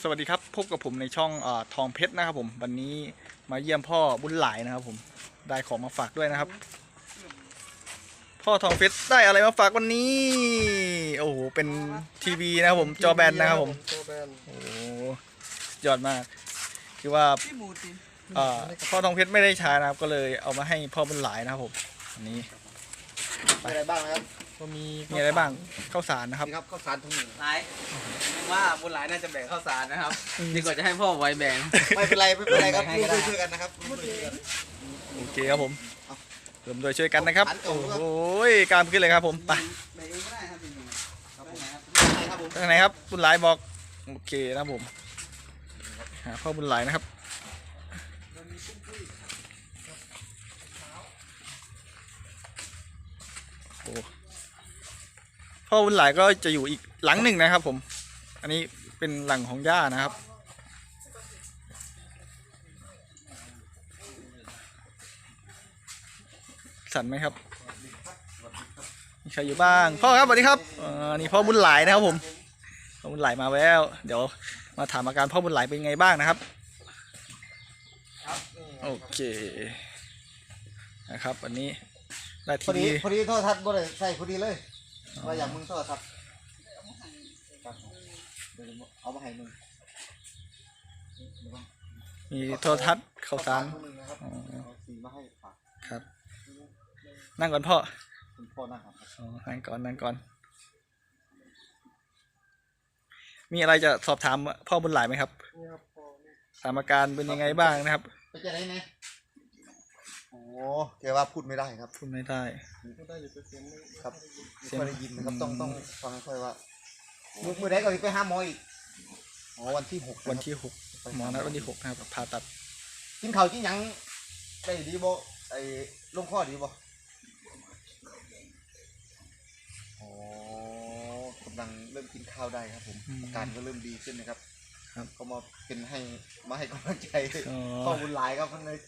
สวัสดีครับพบกับผมในช่องทองเพชรนะครับผมวันนี้มาเยี่ยมพ่อบุญหลายนะครับผมได้ของมาฝากด้วยนะครับพ่อทองเพชรได้อะไรมาฝากวันนี้โอ้โหเป็นทีวีนะครับผมจอแบนนะครับผมโอ้โหยอดมากคือว่าพ่อทองเพชรไม่ได้ใช้นะครับก็เลยเอามาให้พ่อบุญหลายนะครับผมอันนี้มีอะไรบ้างนะครับก็มีอะไรบ้างข้าวสารนะครับข้าวสารถุงหนึ่งหลายว่าบุญหลายน่าจะแบ่งข้าวสารนะครับดีกว่าจะให้พ่อไว้แบ่งไม่เป็นไรครับร่วมด้วยช่วยกันนะครับโอเคครับผมรวมด้วยช่วยกันนะครับโอ้โหการขึ้นเลยครับผมไปทางไหนครับบุญหลายบอกโอเคนะครับผมหาพ่อบุญหลายนะครับโอ้พ่อบุญหลายก็จะอยู่อีกหลังหนึ่งนะครับผมอันนี้เป็นหลังของย่านะครับสั่นไหมครับมีใครอยู่บ้างพ่อครับสวัสดีครับนี่พ่อบุญหลายนะครับผมพ่อบุญหลายมาแล้วเดี๋ยวมาถามอาการพ่อบุญหลายเป็นไงบ้างนะครับโอเคนะครับวันนี้ได้ทีวีพอดีโทรทัศน์บ่ได้ใส่พอดีเลยว่าอย่างมึงโทรทัศน์เอามาให้มึงมีโทรทัศน์ข่าวสารครับนั่งก่อนพ่อนั่งก่อนมีอะไรจะสอบถามพ่อบุญหลายไหมครับถามอาการเป็นยังไงบ้างนะครับไปจะไหนไงโอ้แกว่าพูดไม่ได้ครับพูดไม่ได้ครับไม่ได้ยินนะครับต้องฟังค่อยว่ามือได้ก็ไปหาหมออีกวันที่ 6 หมอนัดวันที่ 6นะครับผ่าตัดกินข้าวกินยังได้ดีบ่ไอ้ลงข้อดีบ่กำลังเริ่มกินข้าวได้ครับผมอาการก็เริ่มดีขึ้นนะครับก็มาให้กำลังใจพ่อบุญหลายครับท่านเลย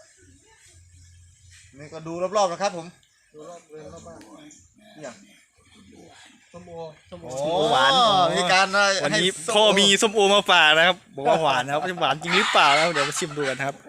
นี่ก็ดูรอบๆนะครับผมดูรอบบ้านอย่างส้มโอหวานมีการวันนี้พ่อมีส้มโอมาฝากนะครับบอกว่าหวานนะครับหวานจริงหรือเปล่าแล้วเดี๋ยวมาชิมดูกันครับ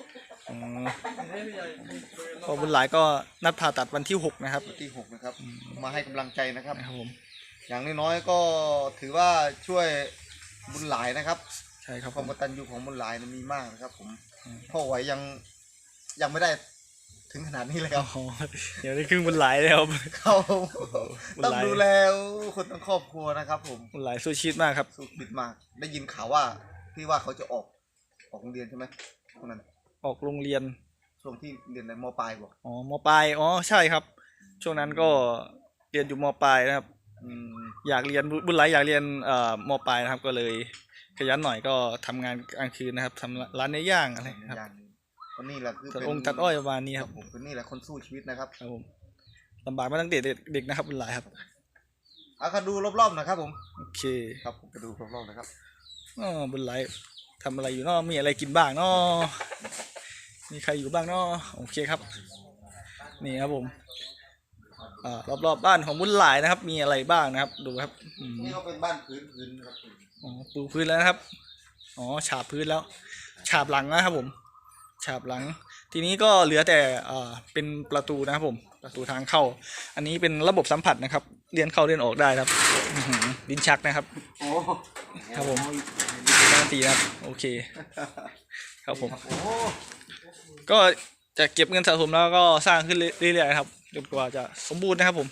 พ่อบุญหลายก็นัดผ่าตัดวันที่ 6นะครับวันที่ 6นะครับมาให้กำลังใจนะครับผมอย่างน้อยๆก็ถือว่าช่วยบุญหลายนะครับใช่ครับความกตัญญูของบุญหลายมีมากนะครับผมพ่อไหวยังไม่ได้ถึงขนาดนี้เลยครับเดี๋ยวได้ครึ่งบุญหลายแล้วเขาต้องดูแลคนทั้งครอบครัวนะครับผมบุญหลายสู้ชีวิตมากครับสู้ชีวิตมากได้ยินข่าวว่าที่ว่าเขาจะออกโรงเรียนใช่ไหมพวกนั้นออกโรงเรียนช่วงที่เรียนในม.ปลายบอกม.ปลายใช่ครับช่วงนั้นก็เรียนอยู่ม.ปลายนะครับอยากเรียนบุญหลายอยากเรียนม.ปลายนะครับก็เลยขยันหน่อยก็ทำงานกลางคืนนะครับทำร้านเนื้อย่างอะไรครับคนนี้แหละคือตัดองค์ตัดอ้อยประมาณนี้ครับคนนี้แหละคนสู้ชีวิตนะครับครับผมลำบากมาตั้งแต่เด็กนะครับบุญหลายครับเอาดูรอบๆนะครับผมโอเคครับผมจะดูรอบๆนะครับบุญหลายทำอะไรอยู่เนาะมีอะไรกินบ้างเนาะมีใครอยู่บ้างเนาะโอเคครับนี่ครับผมรอบบ้านของบุญหลายนะครับมีอะไรบ้างนะครับดูครับนี่เขาเป็นบ้านพื้นครับปูพื้นแล้วนะครับฉาบพื้นแล้วฉาบหลังนะครับผมฉาบหลังทีนี้ก็เหลือแต่เป็นประตูนะครับผมประตูทางเข้าอันนี้เป็นระบบสัมผัสนะครับเลื่อนเข้าเลื่อนออกได้ครับลิ้นชักนะครับครับผมการันตีนะครับโอเคครับผมก็จะเก็บเงินสะสมแล้วก็สร้างขึ้นเรื่อยๆครับจนกว่าจะสมบูรณ์นะครับผม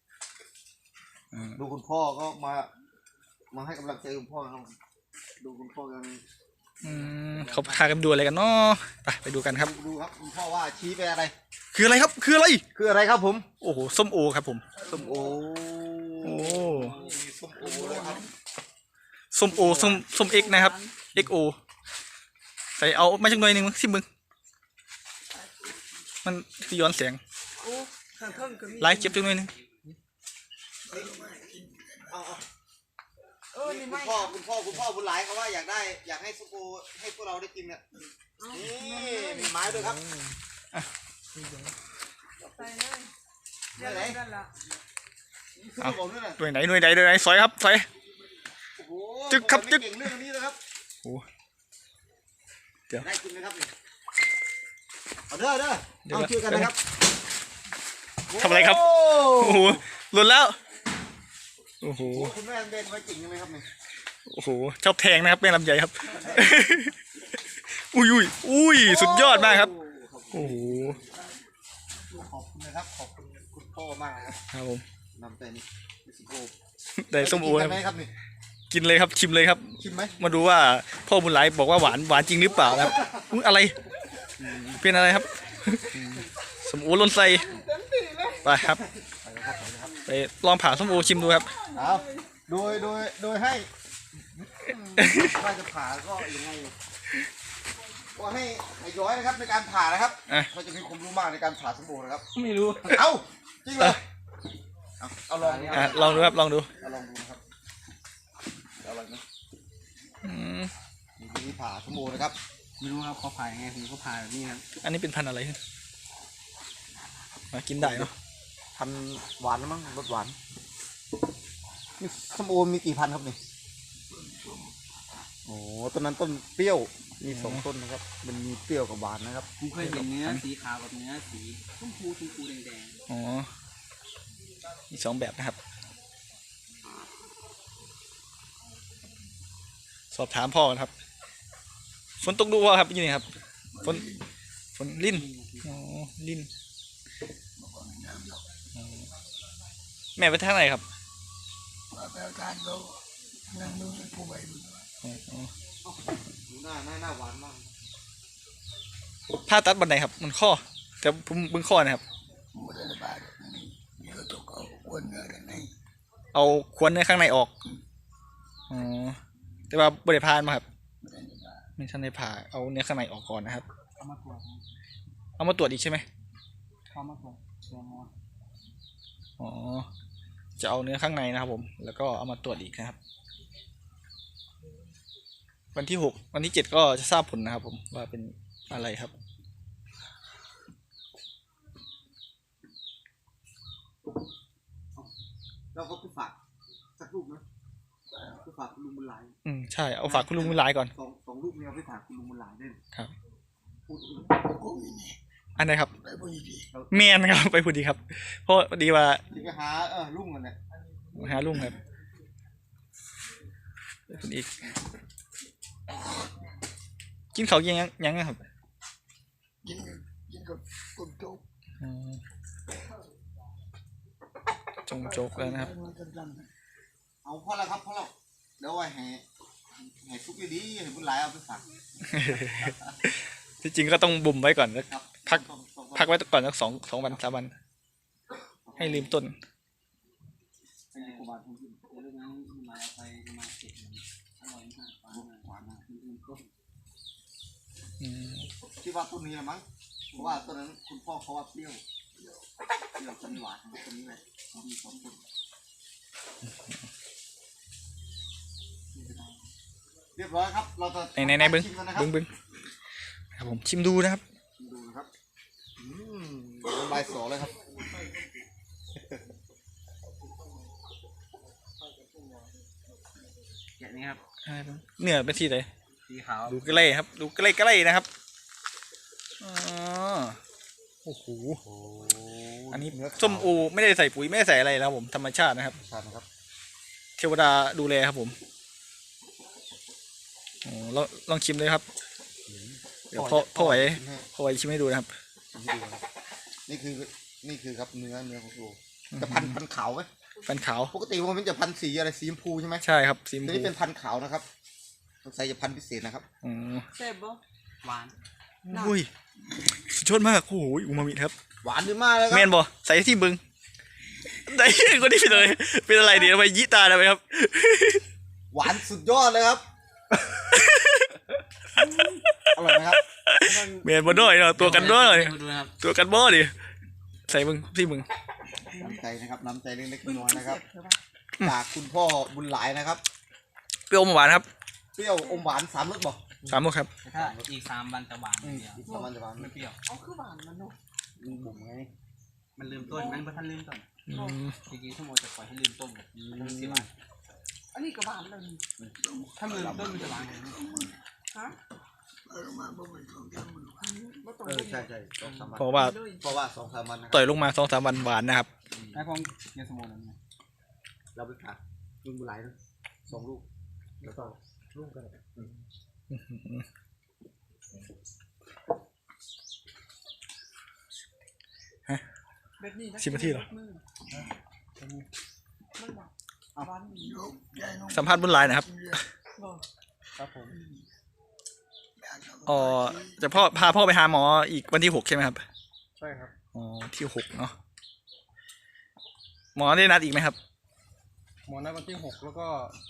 ดูคุณพ่อก็มาให้กำลังใจคุณพ่อครับดูคุณพ่อกันเขาพากันดูอะไรกันเนาะไปดูกันครับดูครับคุณพ่อว่าชี้ไปอะไรคืออะไรครับคืออะไรครับผมโอ้โหส้มโอครับผมส้มโอเลยครับส้มโอส้มเอ็กนะครับ XO ใส่เอามาจากหน่อยหนึ่งสิมึงมันย้อนแสงไลฟ์เก็บจังหน่อยหนึ่งคุณพ่อบุญหลายเขาว่าอยากให้ซุปโอให้พวกเราได้กินเนี่ยนี่มีไม้ด้วยครับใส่เลยเดี๋ยวไหนหน่วยไหนซอยครับซอยโอ้จึ๊กครับจึ๊กเก่งเรื่องนี้นะครับโอ้เดี๋ยวได้กินไหมครับนี่เอาเด้อเดี๋ยวเอาช่วยกันนะครับทำอะไรครับ โอ้โหหล่นแล้วโอ้โหโอ้คุณแม่เด่นไว้จริงไหมครับนี่โอ้โหชอบแทงนะครับแม่ลำไยครับ อุ้ยสุดยอดมากครับโอ้โหขอบคุณนะครับขอบคุณคุณพ่อมากนะครับครับผมนำแต่นี่สิโอได้ส้มโอกินคกัรับนไหมครับนี่กินเลยครับชิมเลยครับชิมไหมมาดูว่าพ่อบุญหลายบอกว่าหวานจริงหรือเปล่านะครับอุ๊ยอะไรเป็นอะไรครับส้มโอหล่นใส่ไปครับไปลองผ่าส้มโอชิมดูครับเอาโดยให้ว่าจะผ่าก็ยังไงก็ให้ย้อยนะครับในการผ่านะครับอ่ะเขาจะมีความรู้มากในการผ่าสมบูรณ์นะครับไม่รู้เอ้าจริงเหรอเอาลองดูอ่ะลองดูครับลองดูเอาลองดูนะครับเอาอะไรนะอืมมีวิธีผ่าสมบูรณ์นะครับไม่รู้ครับเขาผ่ายังไงผมก็ผ่าแบบนี้ครับอันนี้เป็นพันธุ์อะไรมากินได้เนาะพันหวานนะมั้งรสหวานนี่สมโอมีกี่พันครับนี่โอ้ต้นนั้นต้นเปรี้ยวมีสองต้นนะครับ มันมีเปรี้ยวกับหวานนะครับผมเคยเห็นเนื้อสีขาวกับเนื้อสีชมพูแดงอ๋อมีสองแบบนะครับ สอบถามพ่อกันครับฝนตกดูว่าครับยี่นี่ครับฝนลิ่นอ๋อลิ่นอ๋อแม่ไปทางไหนครับอ๋อหน้าหวานมากผ้าตัดบันไดครับ มันข้อแต่ผมบึ้งข้อนะครับ เอาควนเนื้อข้างในออกอ๋อแต่ว่าบริพานมาครับไม่ทันได้ผ่าเอาเนื้อข้างในออกก่อนนะครับๆเอามาตรวจเอามาตรวจอีกใช่ไหมเขามาตรวจเชื้อมอสอ๋อจะเอาเนื้อข้างในนะครับผมแล้วก็เอามาตรวจอีกนะครับ วันที่6วันที่7ก็จะทราบผลนะครับผมว่าเป็นอะไรครับเราก็ไปฝากสักลูกนะไปฝากคุณลุงบุญหลายใช่เอาฝากคุณลุงบุญหลายก่อนสองลูกนี้เอาไปฝากคุณลุงบุญหลายด้วยครับพูดอันไหนครับเมียนครับไปพูดดีครับ เพราะดีว่าที่ไปหาลุงกันเนี่ยหาลุงครับไปพูดอีกกินเขาวยังครับกินกับต้นโจ๊กอืมจงโจกแล้วนะครับเอาพ่อแล้วครับพ่อแล้วเดี๋ยวไว้ให้ซุกดีๆให้บุญหลายเอาไปฝากที่จริงก็ต้องบ่มไว้ก่อนแล้วครับพักไว้ก่อนสักสองวัน3 วัน ให้ลืมต้นให้ครูบาทุกทีเดี๋ยวเรื่องนั้นมาเอาไปมาเก็บมันอร่อยมากหวานมากต้นคิดว่าต้นนี้ละมั้งเพราะว่าต้นนั้นคุณพ่อเขาว่าเปรี้ยวต้นหวานต้นนี้เลยมีสองต้นเรียบร้อยครับเราจะในบึ้งชิมกันนะครับบึ้งครับผมชิมดูนะครับดูนะครับน้ำลายสอเลยครับอย่างนี้ครับเนื้อเป็นที่ไหนสีขาวดูใกล้ครับ ดูใกล้ๆนะครับอ๋อโอ้โหอันนี้ส้มโอไม่ได้ใส่ปุ๋ยไม่ได้ใส่อะไรนะครับผมธรรมชาตินะครับใช่นะครับเทวดาดูแลครับผมโอ้ลองชิมเลยครับ เดี๋ยวพ่อไหวชิมให้ดูนะครับนี่คือครับเนื้อของโลจะพันขาวไหมฟันขาวปกติมันจะพันสีอะไรสีชมพูใช่ไหมใช่ครับสีชมแต่พูนี่เป็นพันขาวนะครับสงสัยจะพันพิเศษนะครับอ๋อเซฟบ่หวานอุ้ยสุดยอดมากโอ้โหอูมามิครับหวานดีมากเลยคแมรับนบอใส่ที่บึงได้คนนี้เป็นอะไรเป็นอะไรดีทำไมยี่ตาทำไมครับหวานสุดยอดเลยครับ อร่อยไหมครับแมนบอด้วยเนาะตัวกันบอเลยดูนะครับตัวกันบอดิใส่มึงที่มึงน้ำใจนะครับน้ำใจเล็กๆน้อยๆนะครับจากคุณพ่อบุญหลายนะครับเปรี้ยวอมหวานครับเปรี้ยวอมหวาน3 รสบอก 3 ลูกครับแต่ถ้าอีก3 วันจะหวานอย่างเดียวอีก3 วันจะหวานไม่เปรี้ยวบุ๋มไงมันลืมต้นมันท่านลืมต้นอืมจริงๆชั่วโมงจะปล่อยให้ลืมต้นมันเสียหวานอันนี้กระบาดเลยถ้ามือต้นมันจะล้างฮะใช่2-3 วันเพราะว่าเพราะว่า2-3 วันนะต่อยลงมา2-3 วันหวานนะครับไอ้พงเกียร์สมองนั่นเราไปขาดลุงบุหลายนะ2 ลูกแล้วก็ลูกกัน 10 นาทีเหรอมันบอกวันสัมภาษณ์บุญหลายนะครับครับผมอ๋อจะพาพ่อไปหาหมออีกวันที่ 6ใช่ไหมครับใช่ครับอ๋อที่ 6เนาะหมอได้นัดอีกไหมครับหมอนัดวันที่6แล้วก็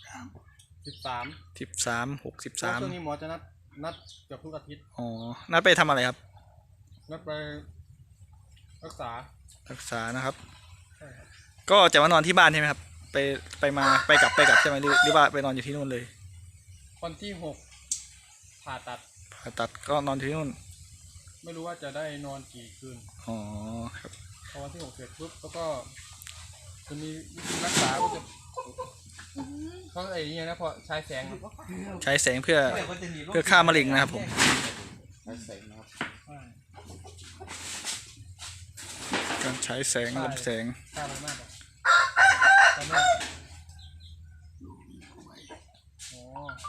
13 13 6 ช่วงนี้หมอจะนัดเกือบทุกอาทิตย์ 13อ๋อนัดไปทำอะไรครับนัดไปรักษารักษานะครับ ก็จะมานอนที่บ้านใช่ไหมครับ ไปกลับใช่ไหมหรือว่าไปนอนอยู่ที่นู่นเลยวันที่6ผ่าตัดผ่าตัดก็นอนที่นู่นไม่รู้ว่าจะได้นอนกี่คืนอ๋อครับพอวันที่6เสร็จปุ๊บแล้วก็จะมีวิธีรักษาก็จะเขาไอ้เนี่ยนะพอใช้แสงครับใช้แสงเพื่อฆ่ามะเร็งนะครับผมใช้แสงนะครับการใช้แสงลำแสงฆ่าอะไรมากเลยตอนนี้อ๋อ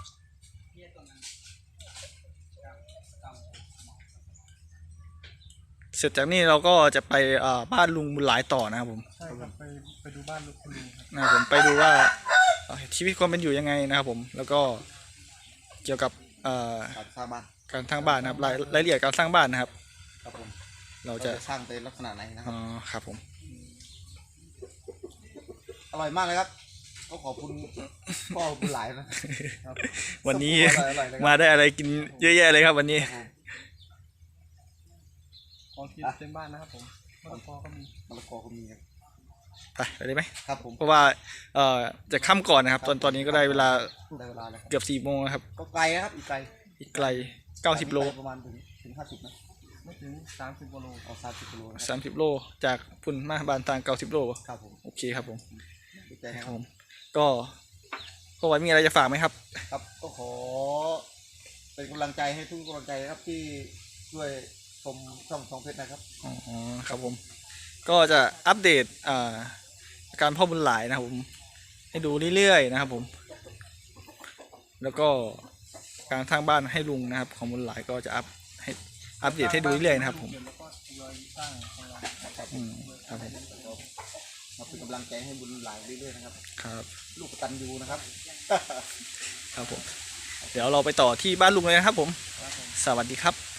เสร็จจากนี้เราก็จะไปบ้านลุงบุญหลายต่อนะครับผมใช่ครับไปดูบ้านลูกคุณลุงครับนะครับผมไปดูว่าชีวิตความเป็นอยู่ยังไงนะครับผม แล้วก็เกี่ยวกับการสร้างบ้านการสร้างบ้านนะครับรายละเอียดการสร้างบ้านนะครับครับผมเราเราจะจะสร้างเป็นลักษณะไหนนะคอ๋รัอบ ครับผมอร่อยมากเลยครับก็ขอบคุณพ่อบุญหลายนะวันนี้อร่อยเลยครับมาได้อะไรกินเยอะแยะเลยครับวันนี้ของกินเต็มบ้านนะครับผมมะละกอก็มีมะละกอก็มีครับไปได้ไหมครับผมเพราะว่าจะค่ำก่อนนะครับ ตอนนี้ก็ได้เวลาได้เวลาแล้วครับเกือบ4 โมงแล้วครับก็ไกลนะครับอีกไกลอีกไกล90 โลประมาณถึง50นะไม่ถึง30กว่าโลเอา30 กิโลนะครับ 30 โลจากพุ่นมาบานทาง90 โลครับผมโอเคครับผมดีใจคนะรับครัผบมก็ไว้มีอะไรจะฝากไหมครับครับก็ขอเป็นกำลังใจให้ทุกกำลังใจนะครับที่ช่วยชมช่องทองเพชรนะครับอ๋อครับผม ก็จะอัปเดตการพ่อบุญหลายนะครับผมให้ดูเรื่อยๆนะครับผม แล้วก็การสร้างบ้านให้ลุงนะครับ ของบุญหลายก็จะอัปเดตให้ดูเรื่อยๆนะครับผมแล้วก็ทยอยสร้างของเราครับผมมาเป็นกำลังใจให้บุญหลายเรื่อยๆนะครับครับลูกกตัญญูนะครับครับผม เดี๋ยวเราไปต่อที่บ้านลุงเลยนะครับผม สวัสดีครับ